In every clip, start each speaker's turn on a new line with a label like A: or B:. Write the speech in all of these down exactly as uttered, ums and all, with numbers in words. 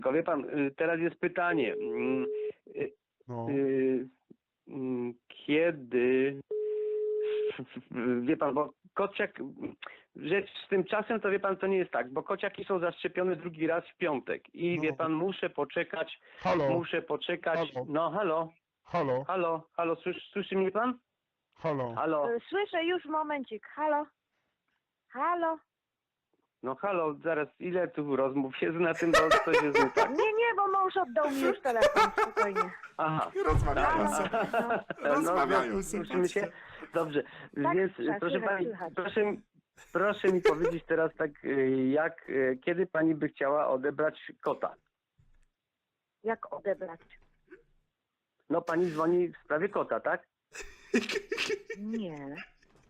A: Tylko wie pan, y, teraz jest pytanie. mm, y,
B: No.
A: y, mm, Kiedy... Wie pan, bo kociak... Rzecz z tym czasem, to wie pan, to nie jest tak, bo kociaki są zaszczepione drugi raz w piątek. I
B: No.
A: wie pan, muszę poczekać,
B: Halo?
A: muszę poczekać...
B: Halo?
A: No, halo?
B: Halo?
A: Halo? Halo? Słyszy, słyszy mnie pan?
B: Halo?
A: Halo?
C: Słyszę już, momencik. Halo? Halo?
A: No halo, zaraz, ile tu rozmów jest na tym, bo coś jest nie tak.
C: Nie, nie, bo mąż oddał mi już telefon, spokojnie.
A: Aha.
B: Rozmawiają
C: Halo?
B: se.
C: No.
B: Rozmawiają
A: no,
B: se,
A: słyszymy się?
B: patrzcie.
A: Dobrze,
C: Tak,
A: więc
C: słychać,
A: proszę
C: słychać,
A: pani,
C: słychać.
A: proszę, mi- proszę mi powiedzieć teraz tak, y, jak, y, kiedy pani by chciała odebrać kota?
C: Jak odebrać?
A: No pani dzwoni w sprawie kota, tak?
C: Nie.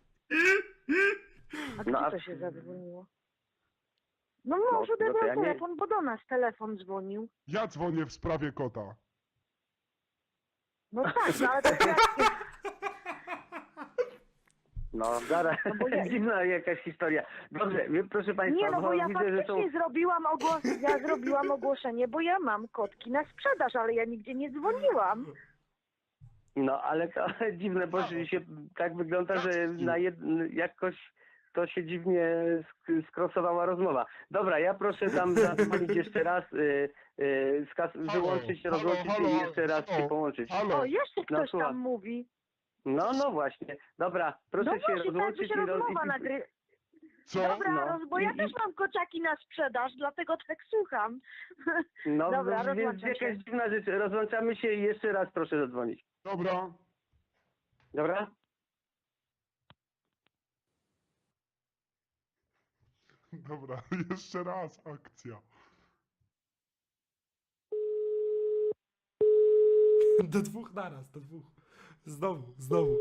C: A
A: No,
C: kto
A: a-
C: to się zadzwoniło? No
A: No,
C: mąż
A: no to
C: odebrał
A: ja nie-
C: telefon, bo do nas telefon dzwonił.
B: Ja dzwonię w sprawie kota.
C: No tak, no ale to jak...
A: No zaraz,
C: No bo ja-
A: dziwna jakaś historia. Dobrze, wie- proszę państwa,
C: Nie, no bo ja
A: widzę, że
C: faktycznie
A: są...
C: zrobiłam ogłos... ja zrobiłam ogłoszenie, bo ja mam kotki na sprzedaż, ale ja nigdzie nie dzwoniłam.
A: No ale to dziwne, bo się tak wygląda, że na jed... jakoś to się dziwnie sk- skrosowała rozmowa. Dobra, ja proszę tam zadzwonić jeszcze raz, y, y, skas- wyłączyć,
B: Halo,
A: rozłączyć
B: halo,
A: i jeszcze raz
B: halo,
A: się połączyć.
B: halo.
C: O, jeszcze
A: No,
C: ktoś
A: słucham.
C: tam mówi.
A: No, no właśnie. Dobra, proszę
C: No
A: się
C: właśnie, tak by
A: rozłączyć
C: się
A: i, roz...
C: rozmowa
A: i-
C: nagry...
B: Co?
C: Dobra,
A: No.
C: roz... bo ja
A: I-
C: też
A: i-
C: mam kociaki na sprzedaż, dlatego tak słucham.
A: No,
C: Dobra,
A: no, więc
C: rozłączam
A: jakaś
C: się.
A: dziwna rzecz. Rozłączamy się i jeszcze raz proszę zadzwonić.
B: Dobra.
A: Dobra?
B: Dobra, jeszcze raz akcja.
D: Do dwóch naraz, do dwóch. Znowu, znowu.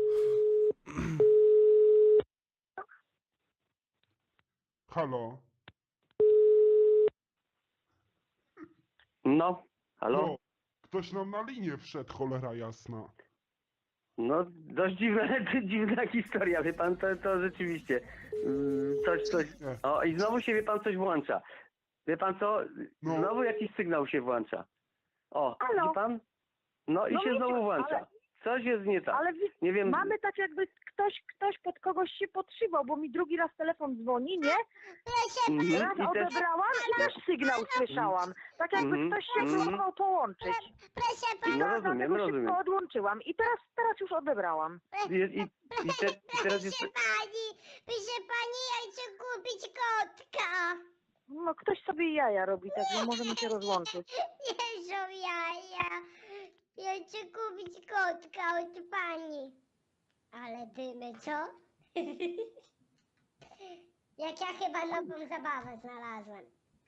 B: Halo?
A: No, halo?
B: No, ktoś nam na linię wszedł, cholera jasna.
A: No, dość dziwna, dziwna historia, wie pan, to, to rzeczywiście. mm, Coś, coś. O, i znowu się, wie pan, coś włącza. Wie pan co?
B: No.
A: Znowu jakiś sygnał się włącza. O,
C: Halo?
A: widzi pan? No i
C: No
A: się
C: wiecie,
A: znowu włącza.
C: ale-
A: Coś jest nie tak.
C: Ale wi-
A: Nie wiem.
C: mamy tak jakby ktoś, ktoś pod kogoś się podszywał, bo mi drugi raz telefon dzwoni, nie?
A: Mhm,
C: Raz
A: i też...
C: odebrałam i też sygnał słyszałam. Tak jakby
A: Mhm,
C: ktoś się
A: mhm.
C: próbował połączyć.
E: Proszę
C: I
E: pana,
A: No
C: teraz
A: rozumiem,
C: dlatego
A: rozumiem.
C: szybko odłączyłam. I teraz, teraz już odebrałam.
A: I, i, i, te, i teraz jest...
E: proszę pani, proszę pani, ja chcę kupić kotka.
C: No ktoś sobie jaja robi, także możemy się rozłączyć.
E: Nie są jaja. Ja chcę kupić kotka od pani. Ale dymy, co? Jak ja chyba nową zabawę znalazłem.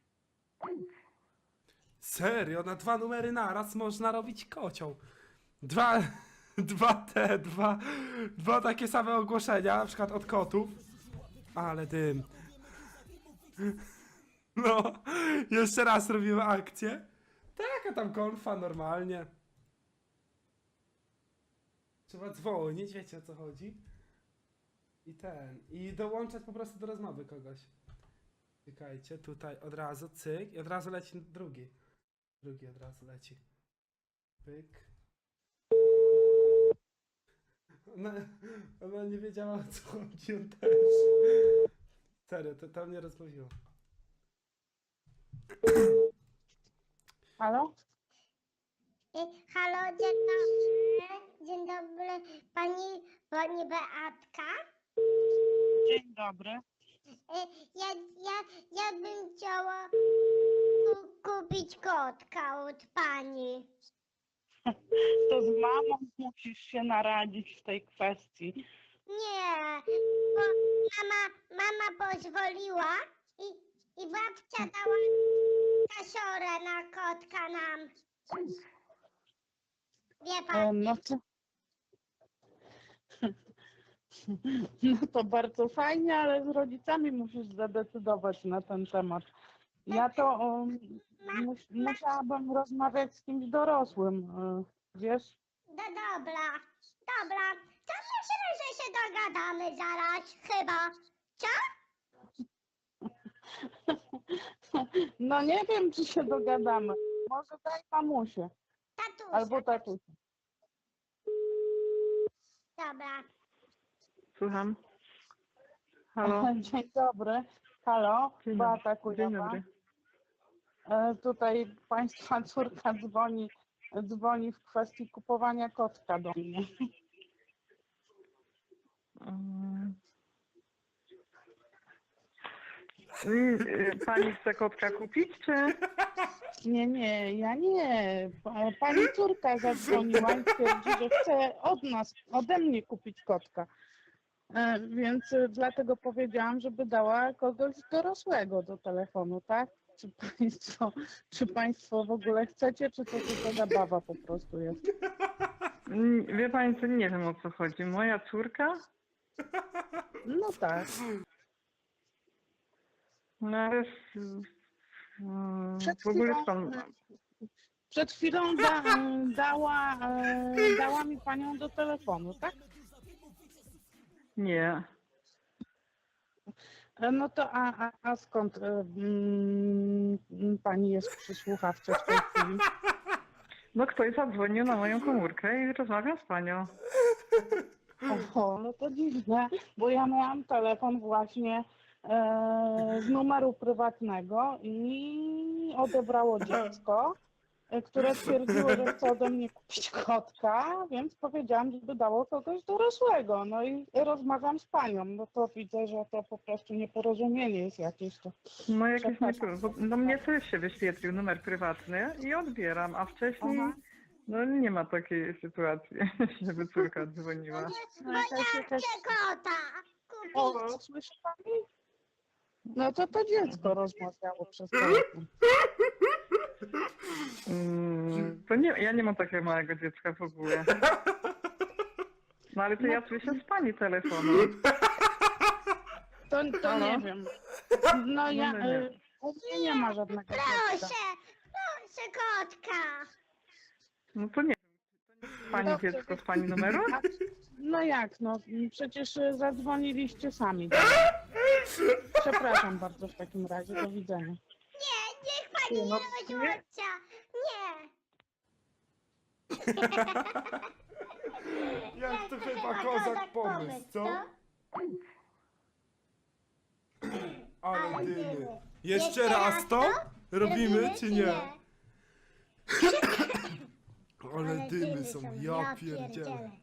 D: Serio, na dwa numery naraz można robić kocioł. Dwa, dwa te, dwa, dwa takie same ogłoszenia, na przykład od kotów. Ale dym. No, jeszcze raz robimy akcję. Taka tam konfa, normalnie. Trzeba dzwonić, wiecie o co chodzi. I ten, i dołączać po prostu do rozmowy kogoś. Czekajcie, tutaj od razu cyk i od razu leci drugi. Drugi od razu leci. Pyk. Ona, ona nie wiedziała o co chodzi, on też. Serio, to, to mnie rozbawiło.
C: Halo?
E: Y, Halo, dzień dobry. Dzień dobry. Pani, pani Beatka?
F: Dzień dobry.
E: Y, Ja, ja, ja bym chciała ku, kupić kotka od pani.
F: To z mamą musisz się naradzić w tej kwestii.
E: Nie, bo mama, mama pozwoliła i, i babcia dała kasiorę na kotka nam. Wie
F: E,
E: pan,
F: No to... No to bardzo fajnie, ale z rodzicami musisz zadecydować na ten temat. Ja to um, mus, musiałabym rozmawiać z kimś dorosłym, e, wiesz?
E: no dobra, dobra. To myślę, że się dogadamy zaraz, chyba. Co?
F: No nie wiem, czy się dogadamy. Może daj mamusię
E: Tatusia.
F: albo tatusia.
E: Dobra.
G: Słucham. Halo.
F: Dzień dobry. Halo,
G: Dzień
F: Beata
G: dobry.
F: Kujawa.
G: Dzień dobry.
F: E, Tutaj państwa córka dzwoni, dzwoni w kwestii kupowania kotka do mnie.
G: Mm. Y, y, Pani chce kotka kupić, czy?
F: Nie, nie, ja nie. Pa- Pani córka zadzwoniła i twierdzi, że chce od nas, ode mnie kupić kotka. E, Więc e, dlatego powiedziałam, żeby dała kogoś dorosłego do telefonu, tak? Czy państwo, czy państwo w ogóle chcecie, czy to tylko zabawa po prostu jest?
G: Mm, Wie Pani co, nie wiem o co chodzi. Moja córka?
F: No tak.
G: No ale... s- mm,
F: Przed
G: W ogóle
F: chwilą,
G: pan...
F: Przed chwilą da, dała, e, dała mi panią do telefonu, tak?
G: Nie.
F: E, No to a, a, a skąd e, mm, pani jest przy słuchawce w tej chwili?
G: No ktoś zadzwonił na moją komórkę i rozmawiam z panią.
F: Oho, no to dziwne, bo ja miałam telefon właśnie e, z numeru prywatnego i odebrało dziecko, e, które stwierdziło, że chce ode mnie kupić kotka, więc powiedziałam, żeby dało kogoś dorosłego. No i rozmawiam z panią, no to widzę, że to po prostu nieporozumienie jest jakieś to.
G: No jakieś nie...
F: Przepraszam.
G: bo- No mnie też się wyświetlił numer prywatny i odbieram, a wcześniej...
F: Aha.
G: No nie ma takiej sytuacji, żeby córka dzwoniła.
F: No, jakaś, jakaś...
E: Chcę kota. Kupić.
F: O, słyszy pani? No to to dziecko rozmawiało przez telefon.
G: Mm, to nie, ja nie mam takiego małego dziecka w ogóle. No ale to ja słyszę z pani telefonu.
F: To, to
G: Halo?
F: nie wiem. No ja,
G: No, no nie.
F: y, u mnie nie ma żadnego dziecka.
E: Proszę. Proszę kotka.
G: No to nie wiem. Pani
F: Dobrze.
G: dziecko z pani numeru?
F: A, no jak, no przecież y, zadzwoniliście sami. Przepraszam bardzo w takim razie, do widzenia.
E: Nie, niech pani nie
G: No,
E: rozłącza. Nie.
D: Jak to chyba
E: A
D: kozak pomysł, co? Ale dymy. Jeszcze raz to? Robimy czy nie? Ale dymy są, ja pierdzielę.